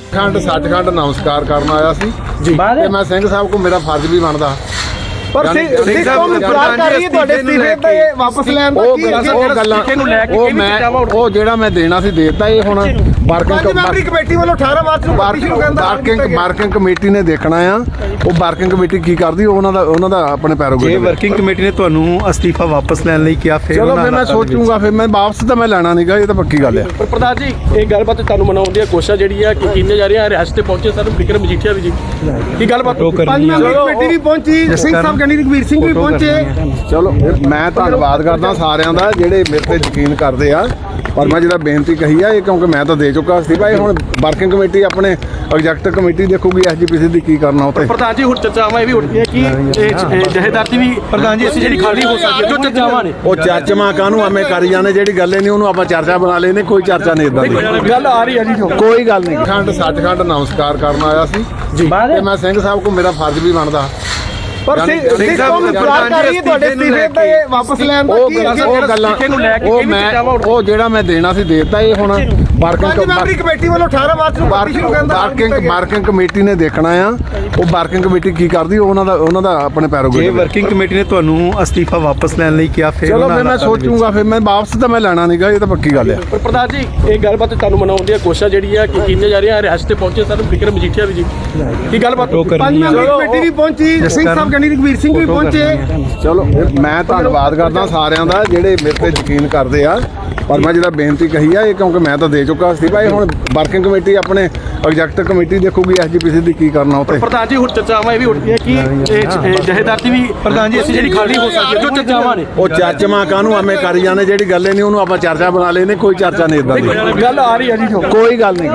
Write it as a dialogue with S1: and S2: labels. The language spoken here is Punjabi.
S1: ਖੰਡ ਸੱਚਖੰਡ ਨਮਸਕਾਰ ਕਰਨ ਆਇਆ ਸੀ ਜੀ ਤੇ ਮੈਂ ਸਿੰਘ ਸਾਹਿਬ ਕੋ ਮੇਰਾ ਫਰਜ਼ ਵੀ ਬਣਦਾ
S2: ਪਰ ਸਿੰਘ ਸਾਹਿਬ ਇਤਰਾਜ਼ ਕਰ ਰਹੀ ਹੈ ਤੁਹਾਡੇ ਅਸਤੀਫੇ ਤੇ ਵਾਪਸ ਲੈਣ ਦਾ
S1: ਉਹ ਗੱਲਾਂ ਉਹ ਜਿਹੜਾ ਮੈਂ ਦੇਣਾ ਸੀ ਦੇਤਾ। ਇਹ ਹੁਣ
S2: ਮੈਂਬਰੀ ਕਮੇਟੀ ਵੱਲੋਂ 18 ਮਾਰਚ ਨੂੰ ਪਾਰਟੀ ਸ਼ੁਰੂ ਕਰਨ ਦਾ
S1: ਵਰਕਿੰਗ ਕਮੇਟੀ ਨੇ ਦੇਖਣਾ ਆ। ਉਹ ਵਰਕਿੰਗ ਕਮੇਟੀ ਕੀ ਕਰਦੀ ਉਹਨਾਂ ਦਾ ਆਪਣੇ ਪੈਰੋਗੇ।
S3: ਜੇ ਵਰਕਿੰਗ ਕਮੇਟੀ ਨੇ ਤੁਹਾਨੂੰ ਅਸਤੀਫਾ ਵਾਪਸ ਲੈਣ ਲਈ ਕਿਹਾ ਫਿਰ
S1: ਚਲੋ ਫਿਰ ਮੈਂ ਸੋਚੂਗਾ। ਫਿਰ ਮੈਂ ਵਾਪਸ ਤਾਂ ਮੈਂ ਲੈਣਾ ਨਹੀਂਗਾ, ਇਹ ਤਾਂ ਪੱਕੀ ਗੱਲ ਹੈ।
S4: ਪਰ ਪ੍ਰਧਾਨ ਜੀ ਇਹ ਗੱਲਬਾਤ ਤੁਹਾਨੂੰ ਮਨਾਉਣ ਦੀ ਕੋਸ਼ਿਸ਼ ਜਿਹੜੀ ਆ ਕਿ ਕੀਤੀਆਂ ਜਾ ਰਹੀਆਂ। ਰਿਆਸਤ ਤੇ ਪਹੁੰਚੇ ਸਰ ਵਿਕਰਮ ਮਜੀਠੀਆ ਵੀ ਜੀ ਕੀ ਗੱਲਬਾਤ।
S2: ਪੰਜ ਮੈਂਬਰੀ ਕਮੇਟੀ ਵੀ ਪਹੁੰਚੀ, ਸਿੰਘ ਸਾਹਿਬ ਕਹਿੰਦੇ ਰਘਵੀਰ ਸਿੰਘ ਵੀ ਪਹੁੰਚੇ।
S1: ਚਲੋ ਮੈਂ ਧੰਨਵਾਦ ਕਰਦਾ ਸਾਰਿਆਂ ਦਾ ਜਿਹੜੇ ਮੇਰੇ ਤੇ ਯਕੀਨ ਕਰਦੇ ਆ। ਪਰ ਮੈਂ ਜਿਹੜਾ ਬੇਨਤੀ ਕਹੀ ਆ ਇਹ ਕਿਉਂਕਿ ਮੈਂ ਤਾਂ ਦੇ ਚੁੱਕਾ ਸੀ ਭਾਈ। ਹੁਣ ਵਰਕਿੰਗ ਕਮੇਟੀ ਆਪਣੇ ਐਗਜ਼ੈਕਟਿਵ ਕਮੇਟੀ ਦੇਖੂਗੀ ਐਸਜੀਪੀਸੀ ਦੀ ਕੀ ਕਰਨਾ ਉੱਤੇ।
S4: ਪ੍ਰਧਾਨ ਜੀ ਹੁਣ ਚਰਚਾਵਾਂ ਇਹ ਵੀ ਉੱਠਦੀਆਂ ਕਿ ਜਹੇਦਾਰ ਦੀ ਵੀ ਪ੍ਰਧਾਨ ਜੀ ਅਸੀਂ ਜਿਹੜੀ ਖਾਲੀ ਹੋ ਸਕਦੀ ਹੈ ਜੋ ਚਰਚਾਵਾਂ ਨੇ
S1: ਉਹ ਚਾਚਮਾ ਕਾਹਨੂੰ ਐਵੇਂ ਕਰੀ ਜਾਂਦੇ। ਜਿਹੜੀ ਗੱਲ ਨਹੀਂ ਉਹਨੂੰ ਆਪਾਂ ਚਰਚਾ ਬਣਾ ਲੈਨੇ। ਕੋਈ ਚਰਚਾ ਨਹੀਂ ਇਦਾਂ ਦੀ
S4: ਗੱਲ ਆ ਰਹੀ ਹੈ ਜੀ।
S1: ਕੋਈ ਗੱਲ ਨਹੀਂ। ਖੰਡ ਸੱਚਖੰਡ ਨਮਸਕਾਰ ਕਰਨ ਆਇਆ ਸੀ ਜੀ ਤੇ ਮੈਂ ਸਿੰਘ ਸਾਹਿਬ ਕੋ ਮੇਰਾ ਫਰਜ਼ ਵੀ ਬਣਦਾ।
S2: ਪਰ ਸਿੰਘ ਸਾਹਿਬ ਇਤਰਾਜ਼ ਕਰ ਰਹੀ ਹੈ ਤੁਹਾਡੇ ਅਸਤੀਫੇ ਤੇ ਵਾਪਸ ਲੈਣ ਦਾ
S1: ਉਹ ਗੱਲਾਂ ਉਹ ਜਿਹੜਾ ਮੈਂ ਦੇਣਾ ਸੀ ਦੇਤਾ। ਇਹ ਹੁਣ
S2: ਮੈਂਬਰੀ ਕਮੇਟੀ ਵੱਲੋਂ 18 ਮਾਰਚ ਨੂੰ ਪਾਰਟੀ ਸ਼ੁਰੂ ਕਰਨ ਦਾ
S1: ਵਰਕਿੰਗ ਕਮੇਟੀ ਨੇ ਦੇਖਣਾ ਆ। ਉਹ ਵਰਕਿੰਗ ਕਮੇਟੀ ਕੀ ਕਰਦੀ ਉਹਨਾਂ ਦਾ ਆਪਣੇ ਪੈਰੋਗੇ।
S3: ਜੇ ਵਰਕਿੰਗ ਕਮੇਟੀ ਨੇ ਤੁਹਾਨੂੰ ਅਸਤੀਫਾ ਵਾਪਸ ਲੈਣ ਲਈ ਕਿਹਾ ਫਿਰ
S1: ਚਲੋ ਫਿਰ ਮੈਂ ਸੋਚੂਗਾ। ਫਿਰ ਮੈਂ ਵਾਪਸ ਤਾਂ ਮੈਂ ਲੈਣਾ ਨਹੀਂਗਾ, ਇਹ ਤਾਂ ਪੱਕੀ ਗੱਲ ਹੈ।
S4: ਪਰ ਪ੍ਰਧਾਨ ਜੀ ਇਹ ਗੱਲਬਾਤ ਤੁਹਾਨੂੰ ਮਨਾਉਣ ਦੀ ਕੋਸ਼ਿਸ਼ ਜਿਹੜੀ ਆ ਕਿ ਕੀਤੀਆਂ ਜਾ ਰਹੀਆਂ। ਰਿਆਸਤ ਤੇ ਪਹੁੰਚੇ ਸਰ ਵਿਕਰਮ ਮਜੀਠੀਆ ਵੀ ਜੀ ਕੀ ਗੱਲਬਾਤ।
S2: ਪੰਜ ਮੈਂਬਰੀ ਕਮੇਟੀ ਵੀ ਪਹੁੰਚੀ, ਸਿੰਘ ਸਾਹਿਬ ਕਹਿੰਦੇ ਰਘਵੀਰ ਸਿੰਘ ਵੀ ਪਹੁੰਚੇ।
S1: ਚਲੋ ਮੈਂ ਧੰਨਵਾਦ ਕਰਦਾ ਸਾਰਿਆਂ ਦਾ ਜਿਹੜੇ ਮੇਰੇ ਤੇ ਯਕੀਨ ਕਰਦੇ ਆ। ਪਰ ਮੈਂ ਜਿਹੜਾ ਬੇਨਤੀ ਕਹੀ ਆ ਇਹ ਕਿਉਂਕਿ ਮੈਂ ਤਾਂ ਦੇ ਚੁੱਕਾ ਸੀ ਭਾਈ। ਹੁਣ ਵਰਕਿੰਗ ਕਮੇਟੀ ਆਪਣੇ ਐਗਜ਼ੈਕਟਿਵ ਕਮੇਟੀ ਦੇਖੂਗੀ ਐਸਜੀਪੀਸੀ ਦੀ ਕੀ ਕਰਨਾ ਉੱਤੇ।
S4: ਪ੍ਰਧਾਨ ਜੀ ਹੁਣ ਚਰਚਾਵਾਂ ਇਹ ਵੀ ਉੱਠਦੀਆਂ ਕਿ ਜਹੇਦਾਰ ਦੀ ਵੀ ਪ੍ਰਧਾਨ ਜੀ ਅਸੀਂ ਜਿਹੜੀ ਖਾਲੀ ਹੋ ਸਕਦੀ ਹੈ ਜੋ ਚਰਚਾਵਾਂ ਨੇ
S1: ਉਹ ਚਾਚਮਾ ਕਾਹਨੂੰ ਐਵੇਂ ਕਰੀ ਜਾਂਦੇ। ਜਿਹੜੀ ਗੱਲ ਨਹੀਂ ਉਹਨੂੰ ਆਪਾਂ ਚਰਚਾ ਬਣਾ ਲੈਨੇ। ਕੋਈ ਚਰਚਾ ਨਹੀਂ ਇਦਾਂ ਦੀ
S4: ਗੱਲ ਆ ਰਹੀ ਹੈ ਜੀ।
S1: ਕੋਈ ਗੱਲ ਨਹੀਂ।